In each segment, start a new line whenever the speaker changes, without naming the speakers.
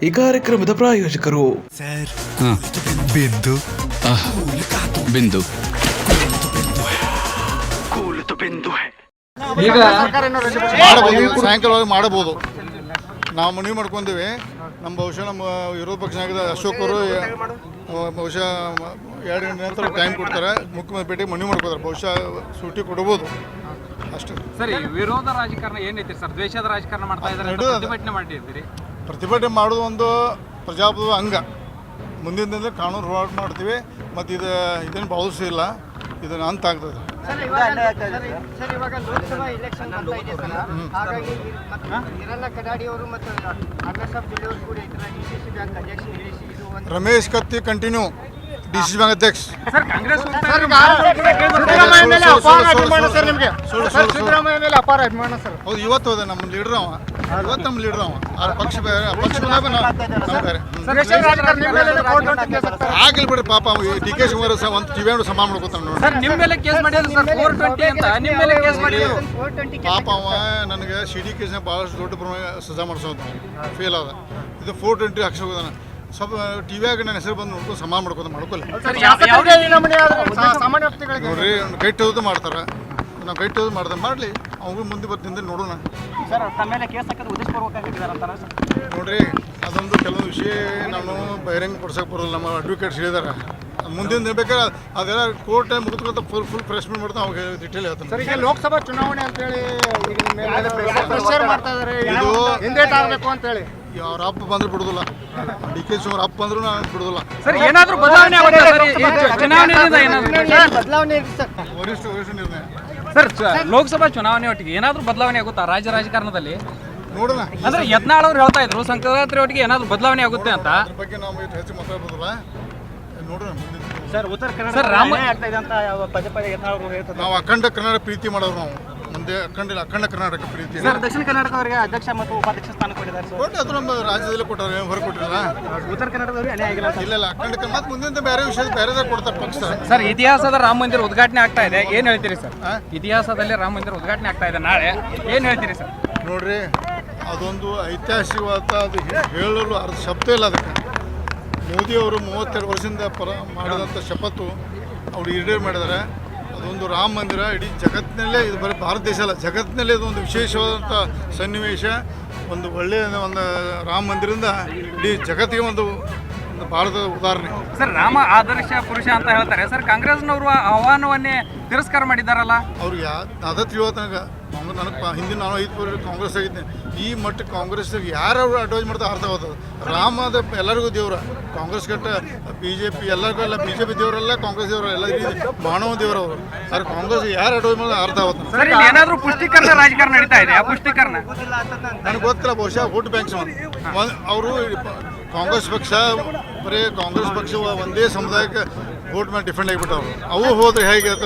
ಈ ಕಾರ್ಯಕ್ರಮದ ಪ್ರಾಯೋಜಕರು
ಬಿಂದು
ಬಿಂದು
ಈಗ
ಮಾಡಬಹುದು, ಸಾಯಂಕಾಲವಾಗಿ ಮಾಡಬಹುದು. ನಾವು ಮನವಿ ಮಾಡ್ಕೊಂತೀವಿ. ನಮ್ಮ ಬಹುಶಃ ನಮ್ಮ ವಿರೋಧ ಪಕ್ಷ ನಾಯಕ ಅಶೋಕ್ ಅವರು ಬಹುಶಃ 2 ಗಂಟೆ ನಂತರ ಟೈಮ್ ಕೊಡ್ತಾರೆ. ಮುಖ್ಯಮಂತ್ರಿ ಭೇಟಿ ಮನವಿ ಮಾಡ್ಕೋತಾರೆ. ಬಹುಶಃ ಸೂಟಿ ಕೊಡ್ಬೋದು ಅಷ್ಟೇ.
ಸರಿ, ವಿರೋಧ ರಾಜಕಾರಣ ಏನೈತಿ ಸರ್? ದ್ವೇಷದ ರಾಜಕಾರಣ ಮಾಡ್ತಾ ಇದ್ದಾರೆ, ಪ್ರತಿಭಟನೆ ಮಾಡಿರ್ತೀರಿ.
ಪ್ರತಿಭಟನೆ ಮಾಡೋದು ಒಂದು ಪ್ರಜಾಪ್ರಭುತ್ವ ಅಂಗ. ಮುಂದಿನ ದಿನದಲ್ಲಿ ಕಾನೂನು ಹೋರಾಟ ಮಾಡ್ತೀವಿ. ಮತ್ತು ಇದೇನು ಭಾವಿಸಿಲ್ಲ, ಇದನ್ನು ಅಂತ ಆಗ್ತದೆ.
ಸರ್, ಇವಾಗ ಲೋಕಸಭಾ ಎಲೆಕ್ಷನ್ ಬರ್ತಾ ಇದೆ ಸರ್. ಹಾಗಾಗಿ ಹಿರಣ್ಣ ಕಡಾಡಿ ಅವರು ಮತ್ತು ಅಣ್ಣಸಾಬ್ ಜಿಲ್ಲೆಯವರು ಕೂಡ ಇತರ DCC ಬ್ಯಾಂಕ್ ಅಧ್ಯಕ್ಷ ಹೇಳಿಸಿ ಇದು ಒಂದು
Ramesh Katti continue DCC bank ಅಧ್ಯಕ್ಷ.
ಸರ್, ಕಾಂಗ್ರೆಸ್
ಸಿದ್ದರಾಮಯ್ಯ ಮೇಲೆ ಅಪಾರ ಅಭಿಮಾನ ಸರ್ ನಿಮಗೆ. ಸಿದ್ದರಾಮಯ್ಯ ಮೇಲೆ ಅಪಾರ ಅಭಿಮಾನ ಸರ್.
ಹೌದು, ಇವತ್ತು ಹೋದ ನಮ್ಮ ಲೀಡರ್ ಅವ. ಇವತ್ತು ನಮ್ಮ ಲೀಡರ್ ಅವ. ಆ ಪಕ್ಷ ಬೇರೆ, ಆ ಪಕ್ಷ ನಮ್ಮ ಬೇರೆ. ಆಗ್ಲಿ ಬಿಡ್ರಿ, ಪಾಪ DK ಶಿವಕುಮಾರ್ ಒಂದು ಟಿವಿ ಸಮಾನ ಮಾಡ್ಕೊತಾನೆ ನೋಡಿ.
ಸರ್, ನಿಮ್ಮ ಮೇಲೆ ಕೇಸ್ ಮಾಡಿದ್ರು ಸರ್, 420 ಅಂತ ನಿಮ್ಮ ಮೇಲೆ ಕೇಸ್ ಮಾಡಿದ್ರು.
ಪಾಪ ಅವ ನನಗೆ ಸಿಡಿ ಕೇಸ್ನ ಭಾಳಷ್ಟು ದೊಡ್ಡ ಪ್ರಮಾಣ ಸಜಾ ಮಾಡಿಸೋದು ಫೇಲ್ ಆದ. ಇದು 420 ಹಾಕ್ಸಿ ಹೋಗೋದಾನ. ಸ್ವಲ್ಪ ಟಿವಿಯಾಗ ನನ್ನ ಹೆಸರು ಬಂದು ನೋಡ್ಕೊಂಡು ಸಮಾನ ಮಾಡ್ಕೊಲ್ಲ. ನೋಡ್ರಿ, ಗೈಟ್ ಹೋದು ಮಾಡ್ತಾರೆ. ನಾವು ಗೈಟ್ ಹೋದು ಮಾಡ್ದೆ ಮಾಡಲಿ, ಅವ್ರಿಗೂ ಮುಂದೆ ಬರ್ತಿಂದ ನೋಡೋಣ. ನೋಡ್ರಿ, ಅದೊಂದು ಕೆಲವೊಂದು ವಿಷಯ ನಾನು ಬಹಿರಂಗ ಪಡಿಸೋಕೆ ಬರೋಲ್ಲ. ನಮ್ಮ ಅಡ್ವೊಕೇಟ್ಸ್ ಹೇಳಿದಾರೆ. ಮುಂದಿನ ಬೇಕಾದ್ರೆ ಅದೆಲ್ಲ ಕೋರ್ಟ್ ಮುಗಿದ್ಕೊಂತ ಫುಲ್ ಪ್ರೆಸ್ಮೆಂಟ್ ಮಾಡ್ತಾ ಅವಾಗ ಡಿಟೇಲ್ ಹೇಳ್ತಾನೆ.
ಸರ್, ಈಗ ಲೋಕಸಭಾ ಚುನಾವಣೆ ಅಂತೇಳಿ ಪ್ರೆಷರ್ ಮಾಡ್ತಾ ಇದ್ದಾರೆ, ಹಿಂದೇಟ್ ಆಗಬೇಕು ಅಂತೇಳಿ.
ಅವ್ರ ಅಪ್ಪ ಬಂದ್ರೆ ಬಿಡುದಿಲ್ಲ, DK ಶಿವಕುಮಾರ್ ಅಪ್ಪ ಬಂದ್ರು ನಾನು ಬಿಡುದಿಲ್ಲ.
ಸರ್, ಏನಾದರೂ ಬದಲಾವಣೆ ಆಗುತ್ತಾ ಸರ್? ಚುನಾವಣೆಯಿಂದ ಏನಾದರೂ
ಬದಲಾವಣೆ ಇದೆ ಸರ್.
ವರಿಷ್ಠ ನಿರ್ಣಯ.
ಸರ್, ಲೋಕಸಭಾ ಚುನಾವಣೆ ಒಟ್ಟಿಗೆ ಏನಾದರೂ ಬದಲಾವಣೆ ಆಗುತ್ತಾ ರಾಜ್ಯ ರಾಜಕಾರಣದಲ್ಲಿ?
ನೋಡೋಣ.
ಅಂದ್ರೆ ಯತ್ನಾಳ್ ಅವ್ರು ಹೇಳ್ತಾ ಇದ್ರು ಸಂಕ್ರಾಂತಿ ಒಟ್ಟಿಗೆ ಏನಾದರೂ ಬದಲಾವಣೆ ಆಗುತ್ತೆ ಅಂತ.
ಅದ್ರ ಬಗ್ಗೆ ನಾವು ಹೆಚ್ಚು ಮಾತಾಡ್ಬೋದಲ್ಲ, ನೋಡೋಣ ಮುಂದಿನ.
ಸರ್, ಉತ್ತರ ಕನ್ನಡ
ಸರ್, ರಾಮ
ಆಗ್ತಾ ಇದೆ ಅಂತ ಪದೇ ಪದೇ ಯತ್ನಾಳ್ ಹೇಳ್ತಾರೆ.
ನಾವು ಅಖಂಡ ಕನ್ನಡ ಪ್ರೀತಿ ಮಾಡೋರು. ನಾವು ಮುಂದೆ ಅಖಂಡ ಕರ್ನಾಟಕ ಪ್ರೀತಿ.
ಸರ್, ದಕ್ಷಿಣ ಕರ್ನಾಟಕ ಅವರಿಗೆ ಅಧ್ಯಕ್ಷ ಮತ್ತು ಉಪಾಧ್ಯಕ್ಷ ಸ್ಥಾನ ಕೊಟ್ಟಿದ್ದಾರೆ ಸರ್.
ಕೊಟ್ಟು ಅದು ನಮ್ಮ ರಾಜ್ಯದಲ್ಲಿ ಕೊಟ್ಟಾರೆ, ಹೊರಗೆ ಕೊಟ್ಟಿಲ್ಲ.
ಉತ್ತರ ಕನ್ನಡದವರಿಗೆ ಅನ್ಯಾಯ ಆಗಿಲ್ಲ ಅಂತ.
ಇಲ್ಲ, ಅಖಂಡ ಕನ್ನಡ ಮತ್ತು ಮುಂದಿನ ಬೇರೆ ವಿಷಯ ಬೇರೆದಾಗ ಕೊಡ್ತಾರೆ ಪಕ್ಷ.
ಸರ್, ಇತಿಹಾಸದ ರಾಮ ಮಂದಿರ ಉದ್ಘಾಟನೆ ಆಗ್ತಾ ಇದೆ, ಏನ್ ಹೇಳ್ತೀರಿ ಸರ್? ಇತಿಹಾಸದಲ್ಲಿ ರಾಮ ಮಂದಿರ ಉದ್ಘಾಟನೆ ಆಗ್ತಾ ಇದೆ ನಾಳೆ, ಏನ್ ಹೇಳ್ತೀರಿ ಸರ್?
ನೋಡ್ರಿ, ಅದೊಂದು ಐತಿಹಾಸಿಕವಾದ, ಅದು ಹೇಳಲು ಅರ್ಧ ಶಬ್ದ ಇಲ್ಲ ಅದಕ್ಕೆ. ಮೋದಿಯವರು 32 ವರ್ಷದಿಂದ ಮಾಡಿದಂಥ ಶಪಥು ಅವರು ಈಡೇರು ಮಾಡಿದ್ದಾರೆ. ಅದೊಂದು ರಾಮ ಮಂದಿರ ಇಡೀ ಜಗತ್ತಿನಲ್ಲೇ, ಇದು ಬರೀ ಭಾರತ ದೇಶ ಅಲ್ಲ, ಜಗತ್ತಿನಲ್ಲೇ ಇದು ಒಂದು ವಿಶೇಷವಾದಂಥ ಸನ್ನಿವೇಶ. ಒಂದು ಒಳ್ಳೆಯ ಒಂದು ರಾಮ ಮಂದಿರದಿಂದ ಇಡೀ ಜಗತ್ತಿಗೆ ಒಂದು ಭಾರತದ ಉದಾಹರಣೆ.
ಸರ್, ರಾಮ ಆದರ್ಶ ಪುರುಷ ಅಂತ ಹೇಳ್ತಾರೆ ಸರ್. ಕಾಂಗ್ರೆಸ್ನವರು ಆಹ್ವಾನವನ್ನೇ ತಿರಸ್ಕಾರ ಮಾಡಿದಾರಲ್ಲ.
ಅವ್ರಿಗೆ ಅದ ತಿಳಿಯೋತನಕ ನನಗೆ ಹಿಂದಿನ ನಾನು 5 ವರ್ಷ ಕಾಂಗ್ರೆಸ್ ಆಗಿದ್ದೆ. ಈ ಮಟ್ಟಕ್ಕೆ ಕಾಂಗ್ರೆಸ್ ಯಾರು ಅಡ್ವೈಸ್ ಮಾಡ್ತಾ ಅರ್ಥ ಆಗ್ತದೆ. ರಾಮದ ಎಲ್ಲರಿಗೂ ದೇವ್ರ. ಕಾಂಗ್ರೆಸ್ ಕಟ್ಟ BJP ಎಲ್ಲರಿಗೂ ಎಲ್ಲ, BJP ದೇವರಲ್ಲ, ಕಾಂಗ್ರೆಸ್ ದೇವರಲ್ಲ, ಎಲ್ಲ ಮಾನವ ದೇವರವರು. ಆದ್ರೆ ಕಾಂಗ್ರೆಸ್ ಯಾರು ಅಡ್ವೈಸ್ ಮಾಡಿದ್ರೆ ಅರ್ಥ ಆಗುತ್ತೆ.
ಸರ್, ಇಲ್ಲಿ ಏನಾದರೂ ಪುಷ್ಟೀಕರಣ ರಾಜಕಾರಣ ನಡೀತಾ ಇದೆ? ಆ ಪುಷ್ಟೀಕರಣ
ನನಗೆ ಗೊತ್ತಿಲ್ಲ. ಬಹುಶಃ ವೋಟ್ ಬ್ಯಾಂಕ್ಸ್ ಅವರು ಕಾಂಗ್ರೆಸ್ ಪಕ್ಷ ಬರೀ ಕಾಂಗ್ರೆಸ್ ಪಕ್ಷ ಒಂದೇ ಸಮುದಾಯಕ್ಕೆ ವೋಟ್ ಮೇಲೆ ಡಿಫೆಂಡ್ ಆಗಿಬಿಟ್ಟವ್ರು. ಅವು ಹೋದ್ರೆ ಹೇಗೆ ಅಂತ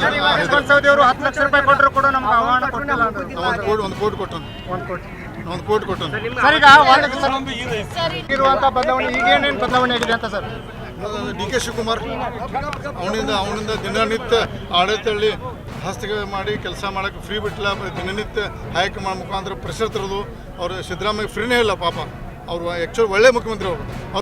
10 ಲಕ್ಷ ರೂಪಾಯಿ ಕೊಟ್ಟರು ಕೂಡ ನಮ್ಗೆ ಆಹ್ವಾನ ಕೊಟ್ಟಿಲ್ಲ ಅಂತ.
ಒಂದು ಕೋಟಿ ಕೊಟ್ಟನು.
ಸರ್, ಈಗ ಇರುವಂಥ ಬದಲಾವಣೆ ಈಗೇನೇನು ಬದಲಾವಣೆ ಆಗಿದೆ ಅಂತ ಸರ್?
DK ಶಿವಕುಮಾರ್ ಅವನಿಂದ ದಿನನಿತ್ಯ ಆಡಳಿತದಲ್ಲಿ ಹಸ್ತಕ್ಷೇಪ ಮಾಡಿ ಕೆಲಸ ಮಾಡೋಕ್ಕೆ ಫ್ರೀ ಬಿಟ್ಟಿಲ್ಲ. ದಿನನಿತ್ಯ ಹೈಕಮಾಂಡ್ ಮುಖಾಂತರ ಪ್ರೆಷರ್ ತರೋದು. ಅವರು ಸಿದ್ದರಾಮಯ್ಯ ಫ್ರೀನೇ ಇಲ್ಲ ಪಾಪ. ಅವರು ಆ್ಯಕ್ಚುಲಿ ಒಳ್ಳೆ ಮುಖ್ಯಮಂತ್ರಿ ಅವರು.